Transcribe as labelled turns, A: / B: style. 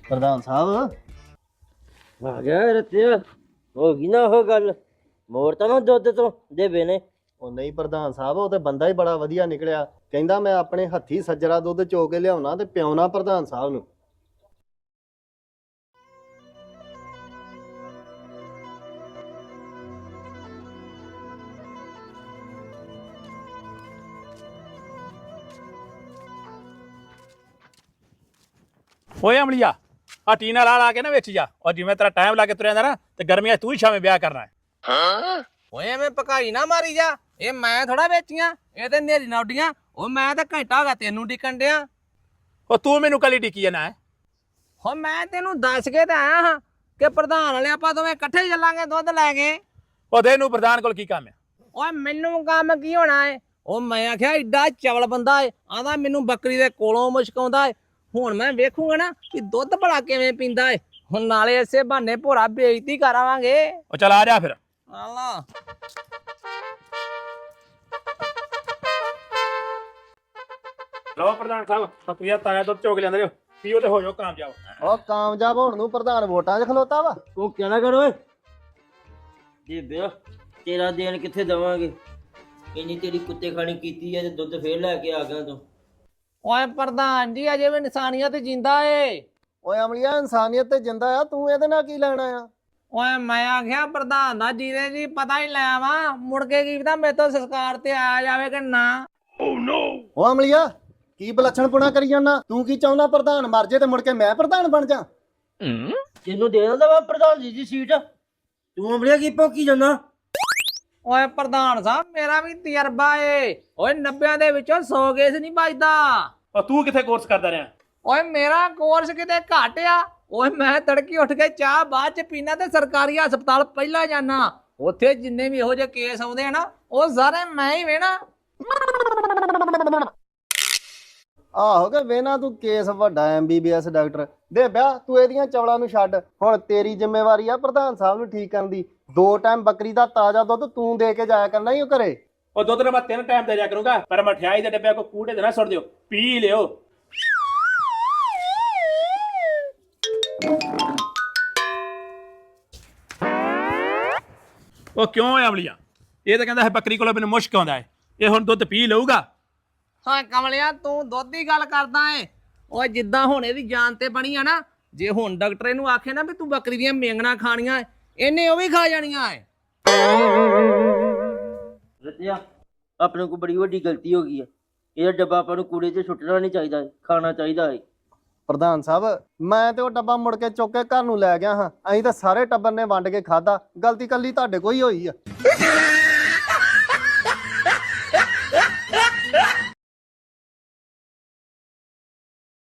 A: ਪ੍ਰਧਾਨ ਸਾਹਿਬ
B: ਆ ਗਿਆ ਰਤਿਆ ਹੋ ਗਈ ਨਾ ਉਹ ਗੱਲ ਮੋਰ ਤਾਂ ਨਾ ਦੁੱਧ ਤੋਂ ਦੇਵੇ ਨੇ।
A: ਉਹ ਨਹੀਂ ਪ੍ਰਧਾਨ ਸਾਹਿਬ, ਉਹ ਤੇ ਬੰਦਾ ਹੀ ਬੜਾ ਵਧੀਆ ਨਿਕਲਿਆ। ਕਹਿੰਦਾ ਮੈਂ ਆਪਣੇ ਹੱਥੀ ਸੱਜਰਾ ਦੁੱਧ ਚੋ ਕੇ ਲਿਆਉਣਾ ਤੇ ਪਿਆਉਣਾ ਪ੍ਰਧਾਨ ਸਾਹਿਬ ਨੂੰ।
C: ਓਏ ਅਮਲੀਆ ਆ ਟੀਨਾ ਲਾ ਕੇ ਨਾ ਵਿੱਚ ਜਾ, ਔਰ ਜਿਵੇਂ ਤੇਰਾ ਟਾਈਮ ਲਾ ਕੇ ਤੁਰਿਆ ਜਾਂਦਾ ਨਾ ਤੇ ਗਰਮੀਆਂ ਤੂੰ ਹੀ ਸ਼ਾਮੇ ਵਿਆਹ ਕਰਨਾ ਹੈ।
D: ਓਏ ਐਵੇਂ ਭਕਾਈ ਨਾ ਮਾਰੀ ਜਾ, ਇਹ ਮੈਂ ਥੋੜਾ ਵੇਚੀਆਂ, ਇਹ ਤੇ ਨੇਰੀ ਨਾ ਉੱਡੀਆਂ। ਉਹ ਮੈਂ ਤਾਂ ਘੰਟਾ ਹੋ ਗਿਆ ਤੈਨੂੰ ਡਿੱਕਣ ਡਿਆ।
C: ਉਹ ਤੂੰ ਮੈਨੂੰ ਕੱਲੀ ਡਿੱਕੀ ਜਾਣਾ ਹੈ।
D: ਹੋ ਮੈਂ ਤੈਨੂੰ ਦੱਸ ਕੇ ਤਾਂ ਆਇਆ ਹਾਂ ਕਿ ਪ੍ਰਧਾਨ ਵਾਲੇ ਆਪਾਂ ਦੋਵੇਂ ਇਕੱਠੇ ਚੱਲਾਂਗੇ ਦੁੱਧ ਲੈ ਕੇ।
C: ਉਹਦੇ ਨੂੰ ਪ੍ਰਧਾਨ ਕੋਲ ਕੀ ਕੰਮ ਹੈ?
D: ਓਏ ਮੈਨੂੰ ਕੰਮ ਕੀ ਹੋਣਾ ਏ? ਉਹ ਮੈਂ ਆਖਿਆ ਏਡਾ ਚਵਲ ਬੰਦਾ ਏ, ਆਂਦਾ ਮੈਨੂੰ ਬੱਕਰੀ ਦੇ ਕੋਲੋਂ ਮੁਸ਼ਕ ਆਉਂਦਾ ਏ। ਹੁਣ ਮੈਂ ਵੇਖੂਗਾ ਨਾ ਕਿ ਦੁੱਧ ਭਲਾ ਕਿਵੇਂ ਪੀਂਦਾ ਏ। ਹੁਣ ਨਾਲੇ ਇਸੇ ਬਹਾਨੇ ਭੋਰਾ ਬੇਇੱਜ਼ਤੀ ਕਰਾਵਾਂਗੇ।
C: ਉਹ ਚਲ ਆ ਜਾ ਫਿਰ।
D: ਆਲਾ
C: ਲਓ ਪ੍ਰਧਾਨ ਸਾਹਿਬ, ਸਤਿਆ ਤਾਇਆ ਦੁੱਧ ਚੋਕ ਲਿਆਂਦੇ ਜੋ, ਪੀਓ ਤੇ ਹੋ ਜਾਓ ਕਾਮਯਾਬ।
A: ਉਹ ਕਾਮਯਾਬ ਹੋਣ ਨੂੰ ਪ੍ਰਧਾਨ ਵੋਟਾਂ 'ਚ ਖਲੋਤਾ ਵਾ।
B: ਤੂੰ ਕਿਆ ਕਰ ਓਏ ਦੇਬਿਆ, ਤੇਰਾ ਦੇਣ ਕਿੱਥੇ ਦਵਾਂਗੇ? ਇੰਨੀ ਤੇਰੀ ਕੁੱਤੇ ਖਾਣੀ ਕੀਤੀ ਐ ਤੇ ਦੁੱਧ ਫੇਰ ਲੈ ਕੇ ਆ ਗਿਆ ਤੂੰ।
D: ਓਏ ਪ੍ਰਧਾਨ ਜੀ ਅਜੇ ਵੀ ਇਨਸਾਨੀਅਤ ਜਿੰਦਾ ਏ।
A: ਓਏ ਅਮਲੀਆ, ਇਨਸਾਨੀਅਤ ਤੇ ਜਿੰਦਾ ਆ, ਤੂੰ ਇਹਦੇ ਨਾਲ ਕੀ ਲੈਣਾ ਆ?
D: ਓਏ ਮੈਂ ਆਖਿਆ ਪ੍ਰਧਾਨ ਦਾ ਜੀਰੇ ਜੀ ਪਤਾ ਹੀ ਲੈ ਆਵਾਂ, ਮੁੜ ਕੇ ਕੀ ਪਤਾ ਮੇਰੇ ਤੋਂ ਸੰਸਕਾਰ ਤੇ ਆਇਆ ਜਾਵੇ ਕਿ ਨਾ।
A: ਉਹ ਅਮਲੀਆ, ਕੀ ਬਲੱਛਣਪੁਣਾ ਕਰੀ ਜਾਂਦਾ? ਤੂੰ ਕੀ ਚਾਹੁੰਦਾ ਪ੍ਰਧਾਨ ਮਰ ਜੇ ਤੇ ਮੁੜ ਕੇ ਮੈਂ ਪ੍ਰਧਾਨ ਬਣ ਜਾ?
B: ਤੈਨੂੰ ਦੇ ਦਿੰਦਾ ਵਾ ਪ੍ਰਧਾਨ ਜੀ ਦੀ ਸੀਟ, ਤੂੰ ਅਮਲੀਆ ਕੀ ਭੌਂਕੀ ਜਾਂਦਾ?
D: ਓਏ ਪ੍ਰਧਾਨ ਸਾਹਿਬ ਮੇਰਾ ਵੀ ਤਜਰਬਾ ਏ। ਓਏ 90 ਦੇ ਵਿੱਚੋਂ 100 ਕੇਸ ਨਹੀਂ ਵੱਜਦਾ।
C: ਉਹ ਤੂੰ ਕਿੱਥੇ ਕੋਰਸ ਕਰਦਾ ਰਿਹਾ?
D: ਓਏ ਮੇਰਾ ਕੋਰਸ ਕਿਤੇ ਘੱਟ ਆ। ਓਏ ਮੈਂ ਤੜਕੀ ਉੱਠ ਕੇ ਚਾਹ ਬਾਅਦ ਚ ਪੀਣਾ ਤੇ ਸਰਕਾਰੀ ਹਸਪਤਾਲ ਪਹਿਲਾਂ ਜਾਣਾ। ਉੱਥੇ ਜਿੰਨੇ ਵੀ ਇਹੋ ਜਿਹੇ ਕੇਸ ਆਉਂਦੇ ਆ ਨਾ ਉਹ ਸਾਰੇ ਮੈਂ ਹੀ ਵੇਣਾ।
A: ਆਹੋ ਕਿ ਵੇਨਾ ਤੂੰ ਕੇਸ ਵੱਡਾ MBBS ਡਾਕਟਰ ਦੇ ਵਿਆਹ। ਤੂੰ ਇਹਦੀਆਂ ਚਵਲਾਂ ਨੂੰ ਛੱਡ, ਹੁਣ ਤੇਰੀ ਜ਼ਿੰਮੇਵਾਰੀ ਆ ਪ੍ਰਧਾਨ ਸਾਹਿਬ ਨੂੰ ਠੀਕ ਕਰਨ ਦੀ। 2 ਟਾਈਮ ਬੱਕਰੀ ਦਾ ਤਾਜ਼ਾ ਦੁੱਧ ਤੂੰ ਦੇ ਕੇ ਜਾਇਆ ਕਰਨਾ ਹੀ ਉਹ ਘਰੇ।
C: ਉਹ ਦੁੱਧ ਨੇ ਮੈਂ 3 ਟਾਈਮ ਦੇ ਜਾ ਕਰੂੰਗਾ, ਪਰ ਮਠਿਆਈ ਦੇ ਡੱਬੇ ਕੋ ਕੂੜੇ ਦੇ ਨਾ ਸੁੱਟ ਦਿਓ, ਪੀ ਲਿਓ। ਉਹ ਕਿਉਂ ਹੈ ਅਮਲੀਆ? ਇਹ ਤਾਂ ਕਹਿੰਦਾ ਹੈ ਬੱਕਰੀ ਕੋਲੋਂ ਮੈਨੂੰ ਮੁਸ਼ਕ ਆਉਂਦਾ ਹੈ, ਇਹ ਹੁਣ ਦੁੱਧ ਪੀ ਲਊਗਾ।
D: ਹਾਂ ਕਮਲਿਆ ਤੂੰ ਦੁੱਧ ਦੀ ਗੱਲ ਕਰਦਾ ਏ। ਓਏ ਜਿੱਦਾਂ ਹੁਣ ਇਹਦੀ ਜਾਨ ਤੇ ਬਣੀ ਆ ਨਾ, ਜੇ ਹੁਣ ਡਾਕਟਰ ਇਹਨੂੰ ਆਖੇ ਨਾ ਵੀ ਤੂੰ ਬੱਕਰੀ ਦੀਆਂ ਮੇਂਗਣਾ ਖਾਣੀਆਂ, ਇਹਨੇ ਉਹ ਵੀ ਖਾ ਜਾਣੀਆਂ ਏ।
B: ਰਤਿਆ, ਆਪਣੇ ਕੋਲ ਬੜੀ ਵੱਡੀ ਗਲਤੀ ਹੋ ਗਈ ਹੈ। ਇਹ ਡੱਬਾ ਆਪਾਂ ਨੂੰ ਕੂੜੇ 'ਚ ਸੁੱਟਣਾ ਨਹੀਂ ਚਾਹੀਦਾ, ਖਾਣਾ ਚਾਹੀਦਾ ਹੈ।
A: ਪ੍ਰਧਾਨ ਸਾਹਿਬ, ਮੈਂ ਤੇ ਉਹ ਡੱਬਾ ਮੁੜ ਕੇ ਚੁੱਕ ਕੇ ਘਰ ਨੂੰ ਲੈ ਗਿਆ ਹਾਂ। ਅਸੀਂ ਤਾਂ ਸਾਰੇ ਟੱਬਰ ਨੇ ਵੰਡ ਕੇ ਖਾਦਾ, ਗਲਤੀ ਕੱਲੀ ਤੁਹਾਡੇ ਕੋਈ ਹੋਈ ਆ।